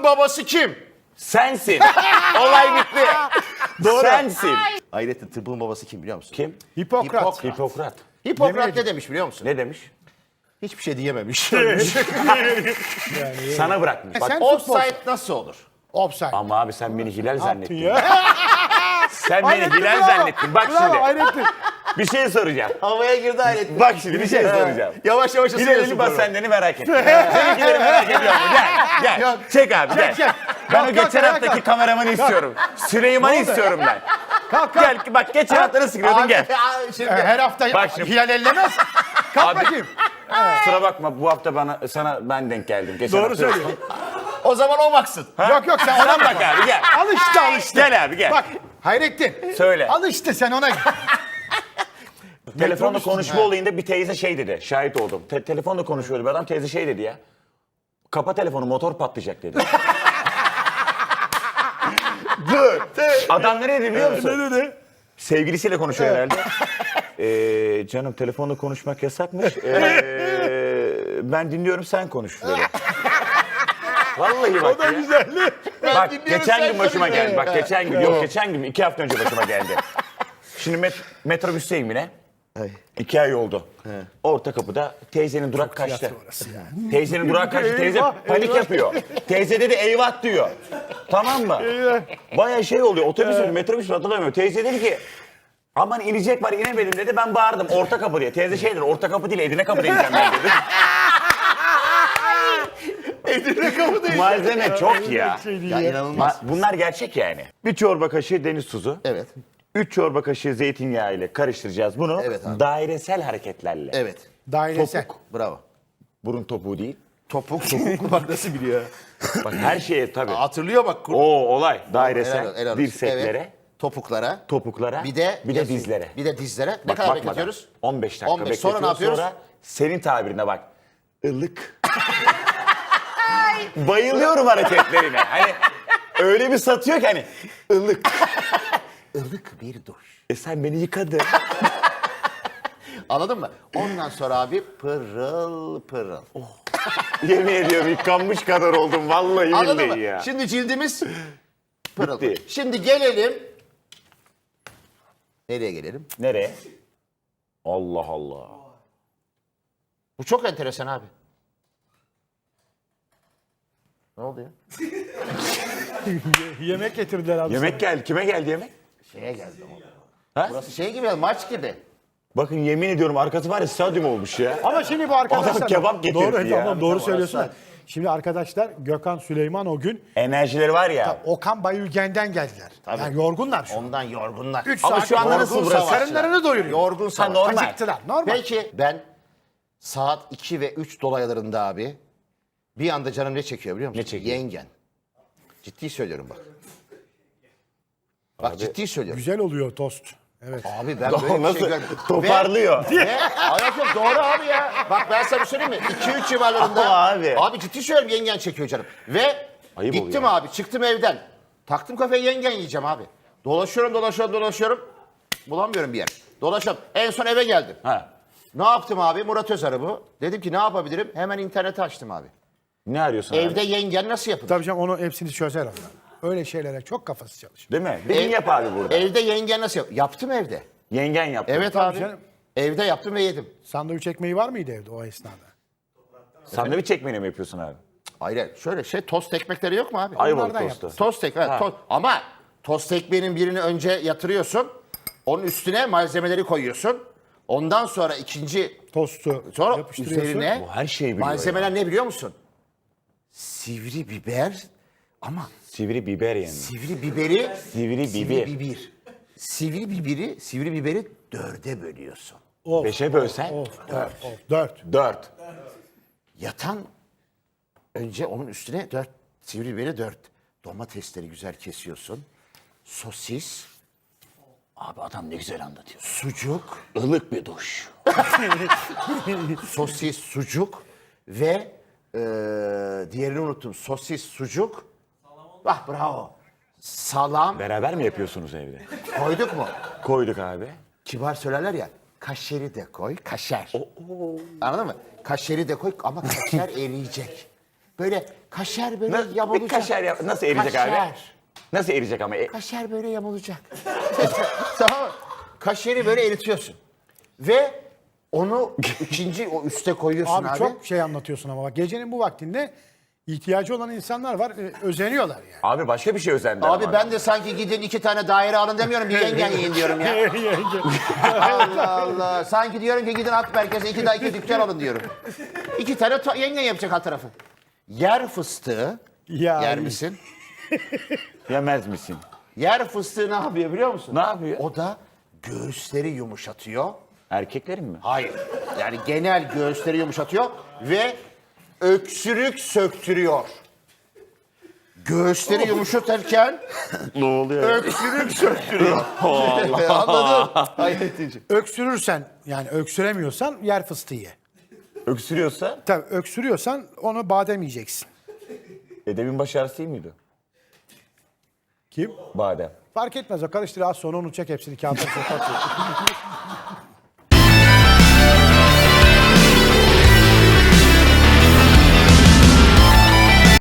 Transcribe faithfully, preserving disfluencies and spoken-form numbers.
Tıbbın babası kim? Sensin. Olay bitti. Doğru. Sensin. Hayrettin tıbbın babası kim biliyor musun? Kim? Hipokrat. Hipokrat. Hipokrat. Hipokrat ne demiş biliyor musun? Ne demiş? Hiçbir şey diyememiş. Sana bırakmış. Bak, Sen Offside nasıl olur? Offside. ama abi sen beni Hilal zannettin. Ya. Sen beni Hayrettin, Hilal bravo. zannettin. Bak Bravo, şimdi. Hayrettin. Bir şey soracağım. Havaya girdi Hayrettin. Bak şimdi bir şey soracağım. Yavaş yavaş Hilal'in ısınıyorsun. bas sendeni merak ettim. Seninkileri merak ediyor mu? Gel. Gel. Yok. Çek abi gel. çek. Ben Kalk, o kalk, geçen kalk, haftaki kalk. kameramanı istiyorum. Süleyman'ı istiyorum ben. Kalk kalk. Gel bak geçen hafta nasıl giriyordun gel. Şimdi, Her hafta Bak şimdi. Hilal ellemez. Kalk Abi- bakayım. Kusura bakma bu hafta bana sana ben denk geldim. Geçen Doğru hafta söylüyor. o zaman o baksın. Yok yok sen Sen ona bak bak. abi gel. Al işte al işte. Gel abi gel. Bak Hayrettin. Söyle. Al işte sen ona. Telefonda Metrobüs- konuşma olayında bir teyze şey dedi. Şahit oldum. Te- telefonda konuşuyordu bir adam. Teyze şey dedi ya. Kapa telefonu motor patlayacak dedi. Dur. Adam ne dedi biliyor musun? Ne dedi? Sevgilisiyle konuşuyor herhalde. Ee, canım telefonda konuşmak yasakmış. Ee, ben dinliyorum sen konuş dedi. Vallahi bak ya. Güzelli. Bak dinliyorum, geçen sen gün başıma konuş. geldi. Bak geçen gün yok geçen gün iki hafta önce başıma geldi. Şimdi met metrobüsteyim yine. İki ay oldu. Orta kapıda teyzenin durak kaçtı. Teyzenin durak kaçtı. Teyze Eyvah, panik eyvah. yapıyor. Teyze dedi eyvah diyor. Tamam mı? Baya şey oluyor. Otobüs mü metrobüs mü hatırlamıyorum. Teyze dedi ki aman inecek var inemedim dedi. Ben bağırdım orta kapı diye. Teyze şey dedi orta kapı değil Edirne kapı ineceğim ben dedi. Edirne kapı değil. Malzeme çok ya. Ya inanılmaz. Ma- Bunlar gerçek yani. Bir çorba kaşığı deniz tuzu. Evet. Üç çorba kaşığı zeytinyağı ile karıştıracağız bunu. Evet abi. Dairesel hareketlerle. Evet. Dairesel. Bravo. Burun topuğu değil. Topuk topuk bak nasıl biliyor. Bak her şeye tabii. Hatırlıyor bak. kur- O olay. Dairesel. Helal- helal olsun. Dirseklere, Evet. Topuklara. topuklara, Bir de bir de yazıyor. dizlere. Bir de dizlere. Ne Bak, kadar bakmadan. bekletiyoruz? on beş dakika on beş. bekletiyoruz. Sonra ne yapıyoruz? Sonra senin tabirine bak. Ilık. Bayılıyorum hareketlerine. Hani öyle bir satıyor ki hani ılık. Ilık bir duş. E sen beni yıkadın. Anladın mı? Ondan sonra abi pırıl pırıl. Yemin ediyorum yıkanmış kadar oldum vallahi Anladın billahi mı? ya. Şimdi cildimiz pırıl. Bitti. Şimdi gelelim. Nereye gelelim? Nereye? Allah Allah. Bu çok enteresan abi. Ne oldu ya? Yemek getirdiler abi. Yemek geldi. Kime geldi yemek? Şeye geldi. oğlum. Ha? Burası şey gibi ya, maç gibi. Bakın yemin ediyorum arkası var ya stadyum olmuş ya. Ama şimdi bu arkadaşlar... Adam kebap getirdi doğru, ya. Tamam, doğru Tamam, söylüyorsun. orası da. Şimdi arkadaşlar Gökhan, Süleyman o gün Enerjileri var ya. Okan Bayülgen'den geldiler. Yani yorgunlar şu an. Ondan yorgunlar. Üç Ama saat şu anda yorgun nasıl burası? savaşçılar. Karınlarını doyuruyor. Yorgun savaş. normal. Acıktılar. Normal. Belki ben saat iki ve üç dolaylarında abi bir anda canım ne çekiyor biliyor musun? Ne çekiyor? Yengen. Ciddi söylüyorum bak. Bak ciddi söylüyorum. Güzel oluyor tost. Evet. Abi ben böyle bir Nasıl şey görmedim. toparlıyor. Ve, ve ayak yok doğru abi ya. Bak ben sana bir söyleyeyim mi? iki üç civarlarında. Ama abi. Abi ciddi söylüyorum yengen çekiyor canım. Ve Ayıp gittim oluyor. abi çıktım evden. Taktım kafaya yengen yiyeceğim abi. Dolaşıyorum dolaşıyorum dolaşıyorum. Bulamıyorum bir yer. Dolaşıyorum. En son eve geldim. Ha. Ne yaptım abi? Murat Özarı bu. Dedim ki ne yapabilirim? Hemen interneti açtım abi. Ne arıyorsun Evde abi? yengen nasıl yapılır? Tabii canım onu hepsini çözer onlar. Öyle şeylere çok kafası çalışır. Değil mi? Bir gün Ev- yap abi burada. Evde yengen nasıl yap? Yaptım evde. Yengen yaptı. Evet Tabii abi. canım. Evde yaptım ve yedim. Sandviç ekmeği var mıydı evde o esnada? Sandviç ekmeğini mi yapıyorsun abi? Hayır şöyle şey tost ekmekleri yok mu abi? Ayvalık Onlardan tostu. Tost ekmek. Ha. Tost. Ama tost ekmeğinin birini önce yatırıyorsun. Onun üstüne malzemeleri koyuyorsun. Ondan sonra ikinci Tostu sonra yapıştırıyorsun. üzerine Bu her şeyi biliyor malzemeler ne biliyor musun? Sivri biber ama Sivri biber yani. sivri biberi Sivri sivri biber. biber. Sivri biberi, sivri biberi dörde bölüyorsun. Of, Beşe bölsen of, dört. Of, dört. dört. Yatan önce onun üstüne dört sivri biberi dört. Domatesleri güzel kesiyorsun. Sosis, Abi adam ne güzel anlatıyor. sucuk, Ilık bir duş. sosis, sucuk ve eee diğerini unuttum. Sosis, sucuk. Ah bravo. Salam Beraber mi yapıyorsunuz evde? koyduk mu? Koyduk abi. Kibar söylerler ya. Kaşeri de koy, kaşer. Anladın mı? Kaşeri de koy ama kaşer eriyecek. Böyle kaşar böyle Na- bir yamulacak. kaşar yap- nasıl eriyecek abi? Kaşar. Nasıl eriyecek ama? E, Kaşar böyle yamulacak. Tamam mı? Kaşarı böyle eritiyorsun. Ve onu ikinci o üste koyuyorsun Abi, abi. çok şey anlatıyorsun ama bak gecenin bu vaktinde ihtiyacı olan insanlar var. e, özeniyorlar yani. Abi başka bir şey özendi. Abi ama. ben de sanki gidin iki tane daire alın demiyorum. Bir yengen yiyin diyorum ya. Allah Allah. Sanki diyorum ki gidin at merkeze iki daha iki dükkan alın diyorum. İki tane ta- yengen yapacak alt tarafı. Yer fıstığı. Ya, yer misin? Yemez misin? Yer fıstığı ne yapıyor biliyor musun? Ne yapıyor? O da göğüsleri yumuşatıyor. Erkeklerin mi? Hayır. Yani genel göğüsleri yumuşatıyor ve öksürük söktürüyor. Göğüsleri yumuşatırken Ne oluyor? öksürük söktürüyor. Anladın? Hayret edici. Öksürürsen yani öksüremiyorsan yer fıstığı ye. Öksürüyorsa Tabii öksürüyorsan onu badem yiyeceksin. edemin baş ağrısı değil miydi? Kim? Badem. Fark etmez o karıştır az sonra onu çek hepsini kağıtlara sok atıyor.